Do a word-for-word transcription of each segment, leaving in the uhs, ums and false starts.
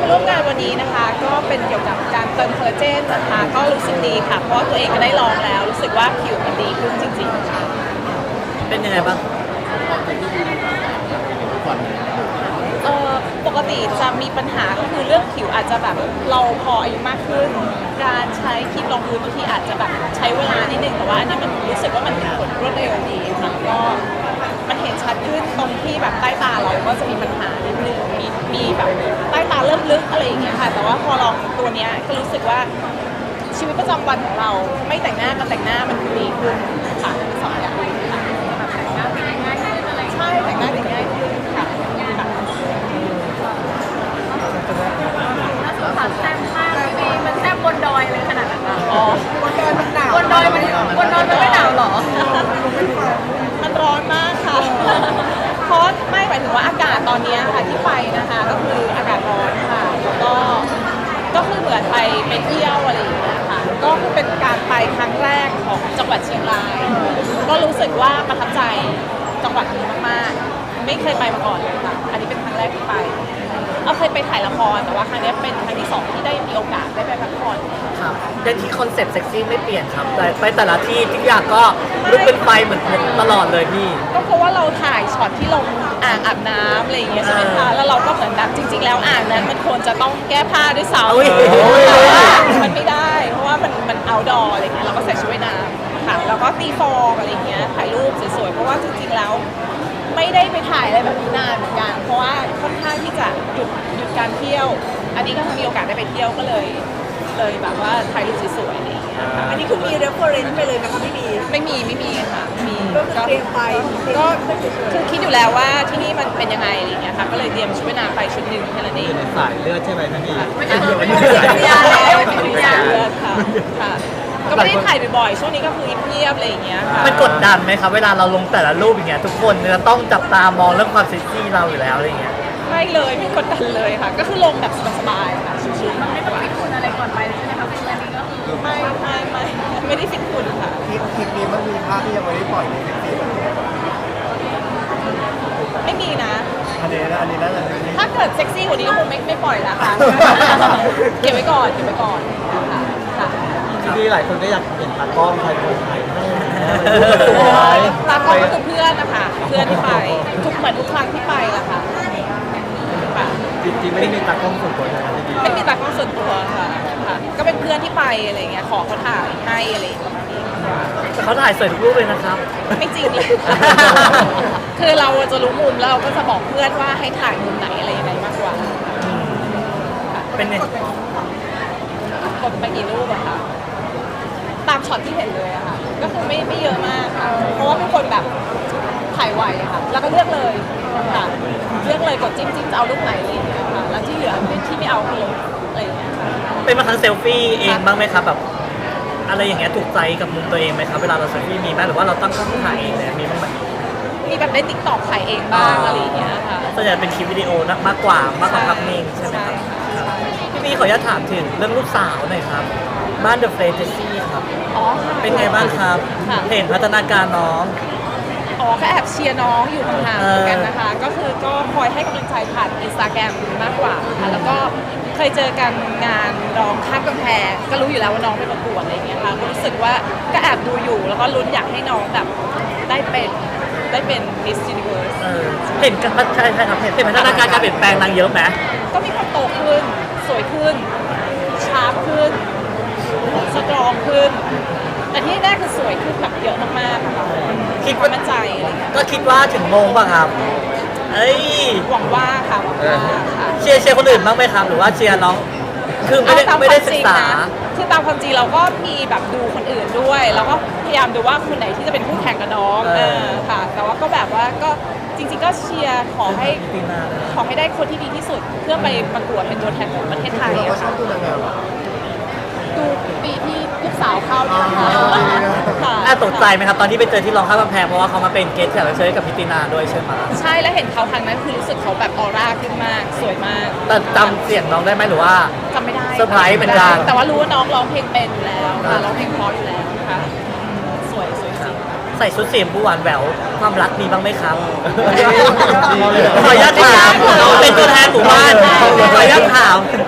มาร่วมงานวันนี้นะคะก็เป็นเกี่ยวกับการเติมคอลลาเจนนะคะก็รู้สึกดีค่ะเพราะว่าตัวเองก็ได้ลองแล้วรู้สึกว่าผิวมันดีขึ้นจริงๆค่ะเป็นยังไงบ้างเอ่อปกติจะมีปัญหาก็คือเรื่องผิวอาจจะแบบเราพออายุมากขึ้นการใช้ครีมรองพื้นบางทีอาจจะแบบใช้เวลานิดนึงแต่ว่าอันนี้มันรู้สึกว่ามันเป็นผลรวดเร็วดีค่ะก็มันเห็นชัดขึ้นตรงที่แบบใต้ตาเราก็จะมีปัญหานิดนึงมีมีแบบใต้ตาเริ่มลึกอะไรอย่างเงี้ยค่ะแต่ว่าพอลองตัวเนี้ยก็รู้สึกว่าชีวิตประจำวันของเราไม่แต่งหน้ากับแต่งหน้ามันดีขึ้นค่ะสองอย่างค่ะแต่งหน้าแต่งง่ายขึ้นอะไรใช่แต่งหน้าแต่งง่ายขึ้นค่ะน่าสงสารแซ่บมากพี่มันแซ่บบนดอยเลยขนาดนั้นอ๋อบนดอยมันหนาวบนดอยมันบนดอยมันไม่หนาวหรอมันร้อนมากค่ะเพราะไม่หมายถึงว่าอากาศตอนนี้ค่ะที่ไปนะคะก็คืออากาศร้อนค่ะแล้วก็ก็คือเหมือนไปไปเที่ยวอะไรอย่างเงี้ยค่ะก็คือเป็นการไปครั้งแรกของจังหวัดเชียงรายก็รู้สึกว่าประทับใจจังหวัดนี้มากๆไม่เคยไปมาก่อนเลยค่ะอันนี้เป็นครั้งแรกที่ไปเอาเคยไปถ่ายละครแต่ว่าครั้งนี้เป็นครั้งที่สองที่ได้มีโอกาสได้ไปพักผ่อนครับแต่ที่คอนเซ็ปต์เซ็กซี่ไม่เปลี่ยนครับแต่ไปแต่ละที่ทุกอย่างก็ลุกเป็นไฟเหมือนตลอดเลยพี่ก็เพราะว่าเราถ่ายช็อตที่ลงอ่างอาบน้ำอะไรอย่างเงี้ยใช่ไหมคะแล้วเราก็เหมือนแบบจริงๆแล้วอ่างนั้นมันควรจะต้องแก้ผ้าด้วยซ้ำแต่ว่ามันไม่ได้เพราะว่ามันมันเอาดออะไรเงี้ยเราก็ใส่ชุดว่ายน้ำค่ะแล้วก็ตีฟองอะไรเงี้ยถ่ายรูปสวยๆเพราะว่าจริงๆแล้วไม่ได้ไปถ่ายอะไรแบบนี้นานเหมือนกันเพราะว่าค่อนข้างที่จะหยุดหยุดการเที่ยวอันนี้ก็มีโอกาสได้ไปเที่ยวก็เลยเลยแบบว่าถ่ายรูปสวยๆอะไรอย่างเงี้ยค่ะอันนี้คือมี reference ไปเลยนะคะไม่มีไม่มีไม่มีค่ะมีก็เตรียมไปก็คือคิดอยู่แล้วว่าที่นี่มันเป็นยังไงอะไรอย่างเงี้ยค่ะก็เลยเตรียมชุดว่ายน้ำไปชุดหนึ่งแค่นั้นเองสายเลือดใช่ไหมท่านพี่ไม่ใช่ไม่ใช่สายเลือดแล้วสายเลือดค่ะค่ะก็ไม่ได้ถ่ายบ่อยๆช่วงนี้ก็คือเงียบๆอะไรอย่างเงี้ยค่ะมันกดดันไหมครับเวลาเราลงแต่ละรูปอย่างเงี้ยทุกคนจะต้องจับตามองเรื่องความเซ็กซี่เราอยู่แล้วอะไรเงี้ยไม่เลยไม่กดดันเลยค่ะก็คือลงแบบสบายๆค่ะชิวๆไม่ต้องฟิตคุณอะไรก่อนไปเลยใช่ไหมคะเป็นอะไรก็คือไม่ไม่ไม่ไม่ได้ฟิตคุณค่ะคลิปคลิปนี้มันมีภาพที่ยังไม่ได้ปล่อยในเซ็กซี่แบบนี้ไม่มีนะอันนี้นะอันนี้น่าจะถ้าเกิดเซ็กซี่กว่านี้ก็คงไม่ไม่ปล่อยละค่ะเก็บไว้ก่อนเก็บไว้ก่อนค่ะค่ะที่หลายคนก็อยากเห็นตากล้องใครคนไทยตากล้องก็คือเพื่อนนะคะเพื่อนที่ไปทุกเหมือนทุกครั้งที่ไปละค่ะจริงๆไม่ได้มีตากล้องส่วนตัวนะไม่มีตากล้องส่วนตัวค่ะค่ะก็เป็นเพื่อนที่ไปอะไรเงี้ยขอเขาถ่ายให้อะไรประมาณนี้แต่เขาถ่ายสวยทุกรูปเลยนะครับไม่จริงเลยคือเราจะรู้มุมแล้วเราก็จะบอกเพื่อนว่าให้ถ่ายมุมไหนอะไรยังไงมากกว่าเป็นไงกดไปกี่รูปอะคะตามช็อตที่เห็นเลยอะค่ะก็คือไม่ไม่เยอะมากค่ะเพราะว่าเป็นคนแบบถ่ายไวค่ะแล้วก็เลือกเลยค่ะเลือกเลยกดจิ้มจิ้มจะเอารูปไหนอะไรอย่างเงี้ยค่ะแล้วที่เหลือที่ไม่เอาคือลบอะไรอย่างเงี้ยค่ะเป็นมาครั้งเซลฟี่เองบ้างไหมครับแบบอะไรอย่างเงี้ยถูกใจกับมุมตัวเองไหมครับเวลาเราเซลฟี่มีไหมหรือว่าเราตั้งกล้องถ่ายเองเลยมีบ้างไหมมีแบบได้ติ๊กต็อกถ่ายเองบ้างอะไรอย่างเงี้ยค่ะส่วนใหญ่เป็นคลิปวิดีโอมากกว่ามากกว่าภาพนิ่งใช่ไหมครับพี่มีขออนุญาตถามถึงเรื่องลูกสาวหน่อยครับบ้านเดอะเฟรนเจซี่ครับอ๋อเป็นไงบ้างครับเห็นพัฒนาการน้องอ๋อก็แอบเชียร์น้องอยู่ห่างๆเหมือนกันนะคะก็คือก็คอยให้กำลังใจผ่านอินสตาแกรมมากกว่าค่ะแล้วก็เคยเจอกันงานร้องข้ามกำแพงก็รู้อยู่แล้วว่าน้องไปประกวดอะไรอย่างเงี้ยค่ะก็รู้สึกว่าก็แอบดูอยู่แล้วก็ลุ้นอยากให้น้องแบบได้เป็นได้เป็น Miss Universe เห็นกันใช่ใช่ครับเห็นพัฒนาการการเปลี่ยนแปลงนางเยอะไหมก็มีความโตขึ้นสวยขึ้นชาร์ปขึ้นสตรองขึ้นแต่ที่แรกคือสวยขึ้นแบบเยอะมากๆค่ะคิดว่ามั่นใจอะไรเงี้ยก็คิดว่าถึงโมงป่ะครับเอ้ยหวังว่าค่ะหวังว่าค่ะเชียร์เชียร์คนอื่นบ้างไหมครับหรือว่าเชียร์น้องคือไม่ได้ไม่ได้ศึกษาคือตามความจริงเราก็มีแบบดูคนอื่นด้วยแล้วก็พยายามดูว่าคนไหนที่จะเป็นคู่แข่งกับน้องเออค่ะแต่ว่าก็แบบว่าก็จริงๆก็เชียร์ขอให้ขอให้ได้คนที่ดีที่สุดเพื่อไปประกวดเป็นตัวแทนของประเทศไทยอะค่ะดูปีที่ลูกสาวเข้าเนี่ยค่ะน่าตกใจไหมครับตอนที่ไปเจอที่ร้องข้ามกำแพงเพราะว่าเขามาเป็นเกสต์แขกรับเชิญกับพิตินาด้วยใช่ไหมใช่แล้วเห็นเขาครั้งนั้นคือรู้สึกเขาแบบออร่าขึ้นมากสวยมากแต่จำเสียงน้องได้ไหมหรือว่าจำไม่ได้เซอร์ไพรส์เหมือนกันแต่ว่ารู้ว่าน้องร้องเพลงเป็นอยู่แล้วค่ะร้องเพลงเพราะอยู่แล้วนะคะสวยสวยจริงใส่ชุดสีชมพูหวานแหววความรักมีบ้างไหมครับขออนุญาตถามเป็นตัวแทนหมู่บ้านขออนุญาตถาม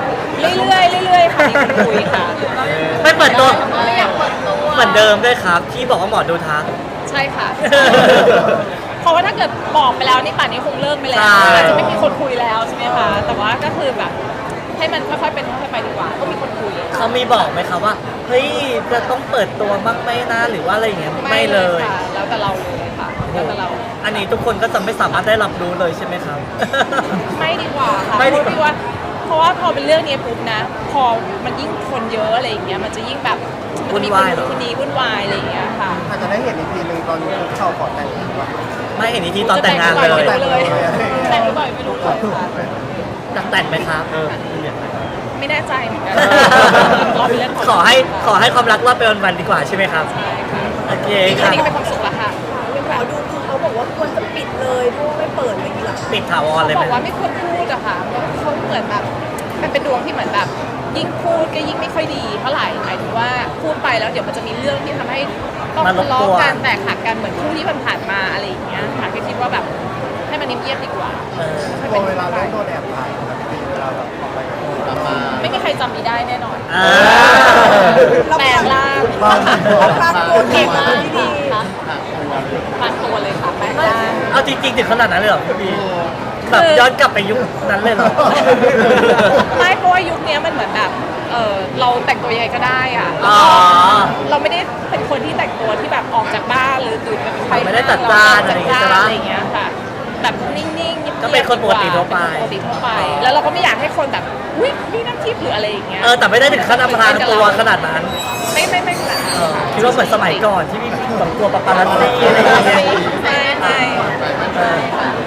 เดิมด้วยครับที่บอกว่าหมอดูทักใช่ค่ะ เพราะว่าถ้าเกิดบอกไปแล้วนี่ป่านนี้คงเลิกไปแล้วใช่อาจจะไม่มีคนคุยแล้วใช่ไหมคะแต่ว่าก็คือแบบให้มันค่อยๆเป็นค่อยๆไปดีกว่าก็มีคนคุยเขามีบอกไหมครับว่าเฮ้ยจะต้องเปิดตัวบ้างไหมนะหรือว่าอะไรอย่างเงี้ยไม่เลยค่ะแล้วแต่เราเลยค่ะแล้วแต่เราอันนี้ทุกคนก็จะไม่สามารถได้รับรู้เลยใช่ไหมครับไม่ดีกว่าค่ะไม่ดีกว่าเพราะว่าเพราะว่าพอเป็นเรื่องนี้ปุ๊บนะ พอมันยิ่งคนเยอะอะไรอย่างเงี้ยมันจะยิ่งแบบมันจะมีคนนู้นคนนี้วุ่นวายอะไรอย่างเงี้ยค่ะอาจจะได้เห็นอีกทีหนึ่งตอนคุกเข่าขอแต่งงานว่าไม่เห็นอีกทีตอนแต่งงานเลยจะแต่งหรือเปล่าไม่รู้เลยแต่งหรือเปล่าไม่รู้เลยค่ะจะแต่งไหมครับเออพี่เนี่ยไม่แน่ใจเหมือนกันรอเป็นเรื่องขอให้ขอให้ความรักรอดไปวันๆดีกว่าใช่ไหมครับใช่ค่ะโอเคแค่ครับนี้ก็เป็นความสุขแล้วค่ะหมอดูคือเขาบอกว่าควรจะปิดเลยเพราะว่าไม่เปิดอะไรอย่างนี้หรอปิดถาวรเลยบไหมอกว่าไม่ควรพูดอะค่ะเขาเหมือนแบบมันเป็นดวงที่เหมือนแบบ ยิ่งพูดก็ยิ่งไม่ค่อยดีเท่าไหร่หมายถึงว่าพูดไปแล้วเดี๋ยวมันจะมีเรื่องที่ทำให้ต้องทะเลาะกันแตกหักกันเหมือนคู่ที่ผ่านๆมาอะไรอย่างเงี้ยค่ะก็คิดว่าแบบให้มันเงียบๆดีกว่าเออพอเวลาเล่นโดนแอบถ่ายแบบนี้เวลาแบบออกไปกับมาไม่มีใครจำมีได้แน่นอนอ่าแปลงร่างบางปรากฏเก่งมากที่ดีค่ะปลางตัวเลยค่ะแปลงร่างเอาจริงๆถึงขนาดนั้นเลยเหรอพี่บีแบบย้อนกลับไปยุคนั้นเลยเหรอไม่เพราะว่ายุคนี้มันเหมือนแบบเออเราแต่งตัวยังไงก็ได้อะแล้วอ๋อก็เราไม่ได้เป็นคนที่แต่งตัวที่แบบออกจากบ้านหรือตื่นไปไม่ได้จัดจ้านเรจัดจ้านอะอะไร ไรอาอย่ย่าง งเงี้เงี้ยยค่ะแบบนิ่งๆก็เป็นคนปกติทั่วไปเป็นคนปกติทั่วไป แล้วเราก็ไม่อยากให้คนแบบอุ้ยนี่น้ำทิพย์หรืออะไรอย่างเงี้ยเออแต่ไม่ได้ถึงขั้นอำพรางตัวขนาดนั้นไม่ไม่ไม่ขนาดนั้นเออคิดว่าเหมือนสมัยก่อนที่มีแบบตัวปาปารัสซี่อะไรอย่างเงี้ยไม่ไม่เออ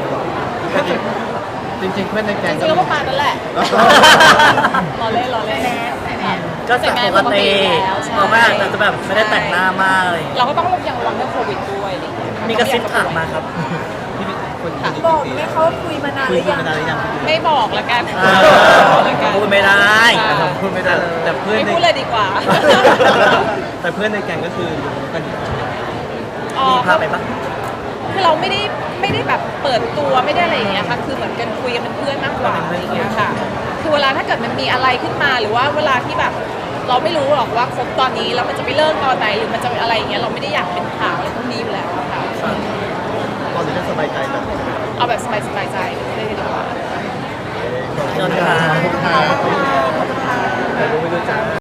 จริงๆเพื่อนในแกจงริงๆแล้วประมาณนั้นแหละรอเล่นรอเล่นก็สักปกติเพราะว่าอาจจะแบบไม่ได้แต่งหน้ามากอะไรอย่างเลยเราก็ต้องยังระวังเรื่องโควิดด้วยอะไรอย่างเงี้ยมีกระซิบถามมาครับพี่เป็นคนค่ะบอกไหมเขาคุยมานานหคุยรือกันยังมานานหรือยังไม่บอกละกันอ่าบอกละกันพูดไม่ได้ค่ะพูดไม่ได้แต่เพื่อนไม่ในพูดเลยดีกว่าแต่เพื่อนในแกงก็คือรู้กันอยู่อ๋อมีพาไปปะคือเราไม่ได้ไม่ได้แบบเปิดตัวไม่ได้อะไรอย่างเงี้ยค่ะ คือเหมือนกันคุยกันเป็นเพื่อนมากกว่าอะไรอย่างเงี้ยค่ะ คือเวลาถ้าเกิดมันมีอะไรขึ้นมาหรือว่าเวลาที่แบบ เราไม่รู้หรอกว่าคบตอนนี้แล้วมันจะไปเลิกตอนไหนหรือมันจะอะไรอย่างเงี้ยเราไม่ได้อยากเป็นข่าวอะไรพวกนี้อยู่แล้วอะค่ะตอนนี้ก็สบายใจแบบเอาแบบสบายๆใจเลยดีกว่าขอบคุณครับไม่รู้ไม่รู้จัก